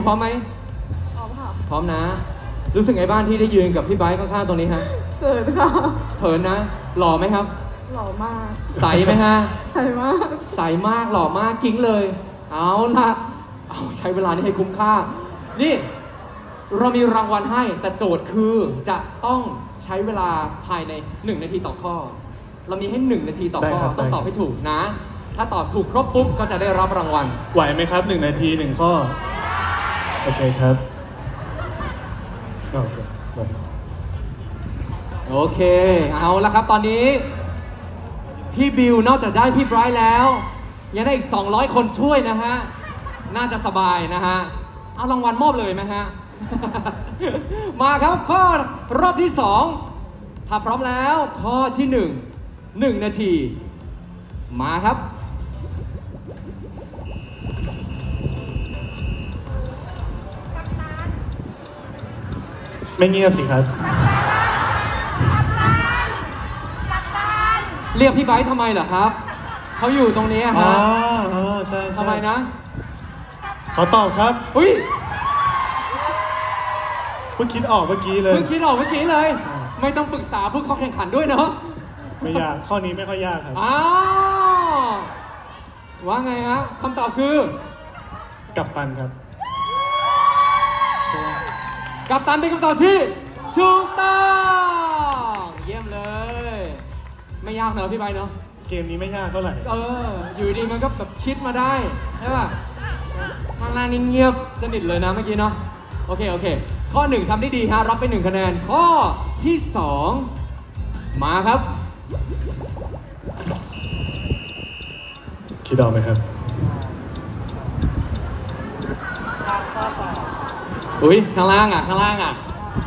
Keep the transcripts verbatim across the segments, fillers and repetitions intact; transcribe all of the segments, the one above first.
พร้อมไหมพร้อมค่ะพร้อมนะ รู้สึกไงบ้างที่ได้ยืนกับพี่ไบร์ทข้างๆตรงนี้ฮะเกิดค่ะเขินนะ หล่อไหมครับหล่อมากใสไหมฮะใสมากใสมากหล่อมากกิ้งเลย เอาละเอาใช้เวลานี้ให้คุ้มค่า นี่เรามีรางวัลให้แต่โจทย์คือจะต้องใช้เวลาภายในหนึ่งนาทีต่อข้อ เรามีให้หนึ่งนาทีต่อข้อต้องตอบให้ถูกนะ ถ้าตอบถูกครบปุ๊บก็จะได้รับรางวัลไหวไหมครับหนึ่งนาทีหนึ่งข้อโอเคครับโอเคโอเคเอาละครับตอนนี้พี่บิวนอกจากได้พี่ไบรท์แล้วยังได้อีกสองร้อยคนช่วยนะฮะน่าจะสบายนะฮะเอารางวัลมอบเลยไหมฮะ มาครับข้อรอบที่สองถ้าพร้อมแล้วข้อที่หนึ่งหนึ่งนาทีมาครับไม่เงียบสิครับเรียกพี่ไบร์ททำไมเหรอครับเขาอยู่ตรงนี้ฮะอ๋ออ๋อใช่ใช่ทำไมนะขอตอบครับอุ้ยเพิ่งคิดออกเมื่อกี้เลยเพิ่งคิดออกเมื่อกี้เลย ไม่ต้องปรึกษาผู้เข้าแข่งขันด้วยเนาะไม่ยากข้อนี้ไม่ค่อยยากครับอ้าวว่าไงฮะคำตอบคือกัปตันครับกัปตันเป็นคำตอบที่ถูกต้องเยี่ยมเลยไม่ยากเนอะพี่ไบร์ทเนาะเกมนี้ไม่ยากเท่าไหร่เอออยู่ดีมันก็แบบคิดมาได้ใช่ป่ะข้างล่างนี่เงียบสนิทเลยนะเมื่อกี้เนาะโอเคโอเคข้อหนึ่งทำได้ดีฮะรับไปหนึ่งคะแนนข้อที่สองมาครับคิดออกไหมครับอุ้ยข้างล่างอ่ะข้างล่างอ่ะ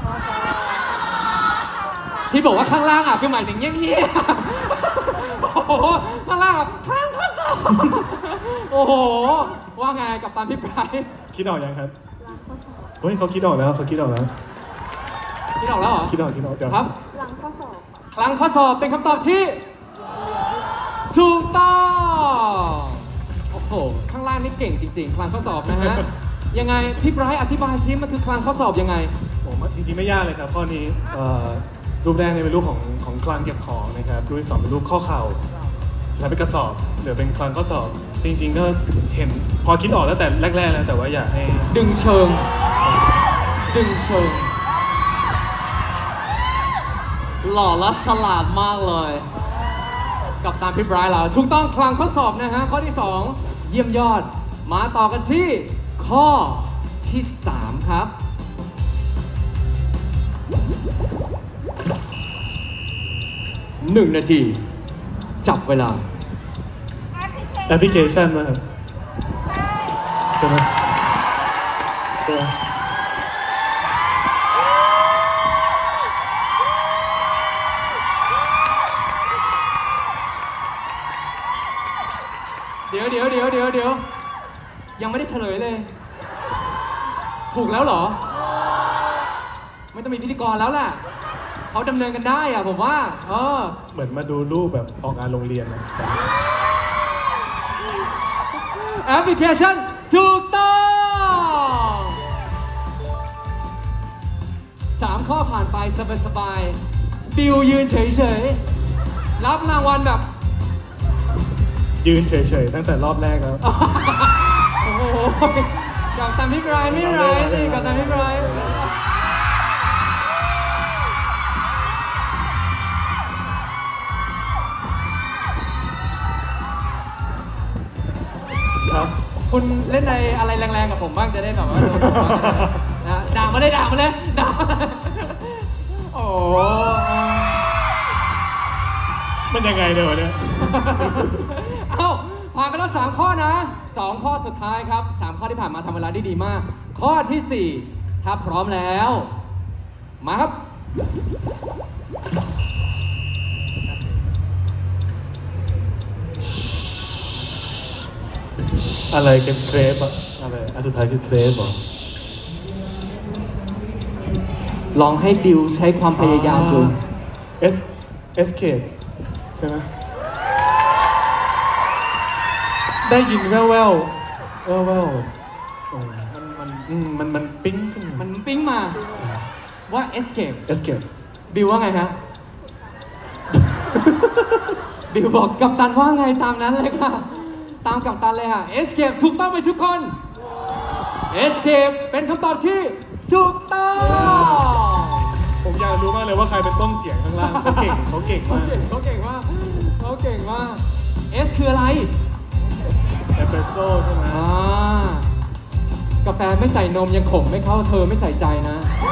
ที่บอกว่าข้างล่างอ่ะคือหมายถึงเงี้ยๆโอ้โหข้างล่างอ่ะข้างข้อสอบโอ้โหว่าไงกับตามพี่ไบร์ทคิดออกยังครับเฮ้ยเขาคิดออกแล้วเขาคิดออกแล้วคิดออกแล้วเหรอคิดออกคิดออกเดี๋ยวครับหลังข้อสอบคลังข้อสอบเป็นคำตอบที่ถูกต้องโอ้โหข้างล่างนี่เก่งจริงๆคลังข้อสอบนะฮะยังไงพี่ไบรท์อธิบายซิมันคือคลังข้อสอบยังไงผมจริงๆไม่ยากเลยครับข้อนี้รูปแรกเนี่ยเป็นรูปของของคลังเก็บของนะครับรูปที่สองเป็นรูปข้อเข่าสุดท้ายเป็นกระสอบเหลือเป็นคลังข้อสอบจริงๆก็เห็นพอคิดออกแล้วแต่แรกๆแล้วแต่ว่าอยากให้ดึงเชิงดึงเชิงหล่อและฉลาดมากเลยกับตามพี่ไบรท์เราถูกต้องคลังข้อสอบนะฮะข้อที่สองเยี่ยมยอดมาต่อกันที่ข้อที่สามครับหนึ่งนาทีจับเวลาแอปพลิเคชันนะครับใช่ไหมตัวเดี๋ยวเดี๋ยวเดี๋ยวเดี๋ยวเดี๋ยวยังไม่ได้เฉลยเลยถูกแล้วเหรอไม่ต้องมีพิธีกรแล้วแหละเขาดำเนินกันได้อะผมว่าเออเหมือนมาดูรูปแบบออกงานโรงเรียนแอปพลิเคชันถูกต้องสามข้อผ่านไปสบายๆบิวยืนเฉยๆรับรางวัลแบบยืนเฉยๆตั้งแต่รอบแรกแล้วโอ้โหกับตามพี่ไบรท์ไม่ไรสิกับตามพี่ไบรท์ครับคุณเล่นในอะไรแรงๆกับผมบ้างจะได้แบบว่านะด่ามาเลยด่ามาเลยด่าโอ้มันยังไงเดี๋ยวเนี่ยเอ้าผ่านไปแล้วสามข้อนะสองข้อสุดท้ายครับสามข้อที่ผ่านมาทำเวลาได้ดีมากข้อที่สี่ถ้าพร้อมแล้วมาครับอะไรเป็นเครปอะอะไรอันสุดท้ายคือเครปเหรอลองให้บิวใช้ความพยายามดูเอสเอสเคใช่ไหมได้ยินแว่วแว่วแว่วแว่วมันมันอืมมันมันปิ้งขึ้นมันปิ๊งมาว่า escape escape บิวว่าไงฮะ บิวบอกกัปตันว่าไงตามนั้นเลยค่ะ ตามกัปตันเลยค่ะ escape ถูกต้องไหมทุกคน escape เป็นคำตอบที่ถูกต้องผมอยากรู้มากเลยว่าใครเป็นต้นเสียงข้างล่างเขาเก่งเขาเก่งเขามากเก่งเขาเก่งมากเขาเก่งมาก S คืออะไรเอสเปรสโซ่ใช่ไหมอ่ากาแฟไม่ใส่นมยังขมไม่เข้าเธอไม่ใส่ใจนะ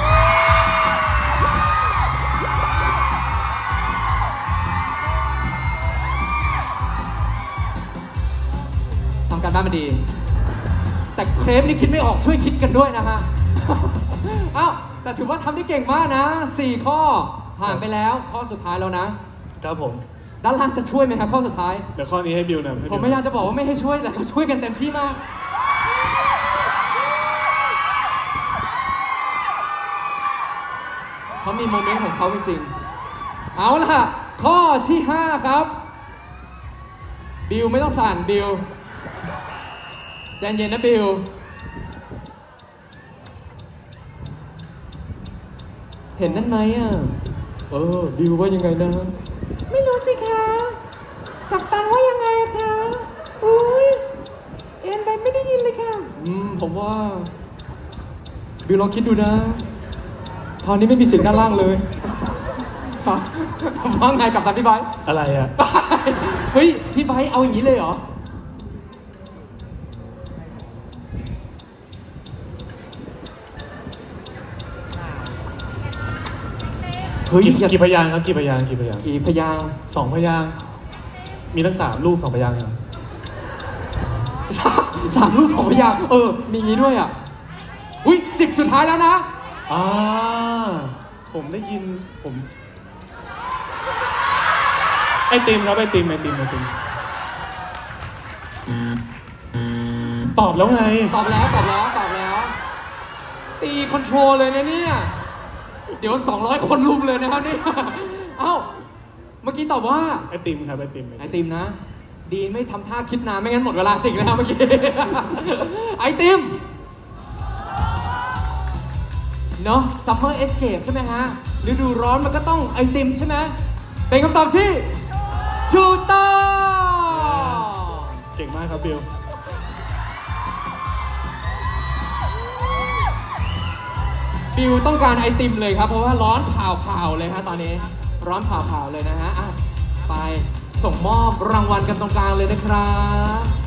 ทำการบ้านมาดี แต่เครปนี่คิดไม่ออกช่วยคิดกันด้วยนะฮะ เอ้าแต่ถือว่าทำได้เก่งมากนะสี่ข้อผ่านไปแล้วข้อสุดท้ายแล้วนะครับผมด้านล่างจะช่วยไหมครับข้อสุดท้ายเดี๋ยวข้อนี้ให้บิวนะให้ผมบิวไม่อยากจะบอกว่าไม่ให้ช่วยแต่เขาช่วยกันเต็มที่มาก เขามีโมเมนต์ของเขาจริงๆ เอาล่ะ ข้อที่ห้าครับ บิวไม่ต้องสั่นบิวใจเย็นนะบิว เห็นนั่นไหมอ่ะ เออ บิวว่ายังไงนะไม่รู้สิคะกัปตันว่ายังไงคะอุ้ยเอ็นไปไม่ได้ยินเลยค่ะอืม ผมว่า บิวลองคิดดูนะคราวนี้ไม่มีเสียงด้านล่างเลย ฮะผมว่าไงกับตันพี่ไบร์ทอะไรอะเฮ้ย พี่ไบร์ทเอาอย่างนี้เลยเหรอ เฮ้ยกี่อย่ากี่พยางค์ครับกี่พยางค์กี่พยางค์กี่พยางค์สองพยางค์มีทั้งสามรูปสองพยางค์ครับสามรูปสองพยางค์เออ มีงี้ด้วยอ่ะ อุ้ยสิบสุดท้ายแล้วนะอ่าผมได้ยินผมไอติมครับไอติมไอติมไอติมตอบแล้วไงตอบแล้วตอบแล้วตอบแล้ว ตีคอนโทรลเลยนะเนี่ย เดี๋ยวสองร้อยคนรุมเลยนะครับเนี่ย เอ้า เมื่อกี้ตอบว่าไอติมครับไอติมไอติมนะ ดีไม่ทำท่าคิดนานไม่งั้นหมดเวลาจริงแล้วเมื่อกี้ ไอติม เนาะ Summer Escape ใช่ไหมฮะฤดูร้อนมันก็ต้องไอติมใช่ไหมเป็นคำตอบที่ถูกต้องเก่งมากครับบิวบิวต้องการไอติมเลยครับ เพราะว่าร้อนเผาๆเลยฮะตอนนี้ร้อนเผาๆเลยนะฮะอ่ะไปส่งมอบรางวัลกันตรงกลางเลยนะครับ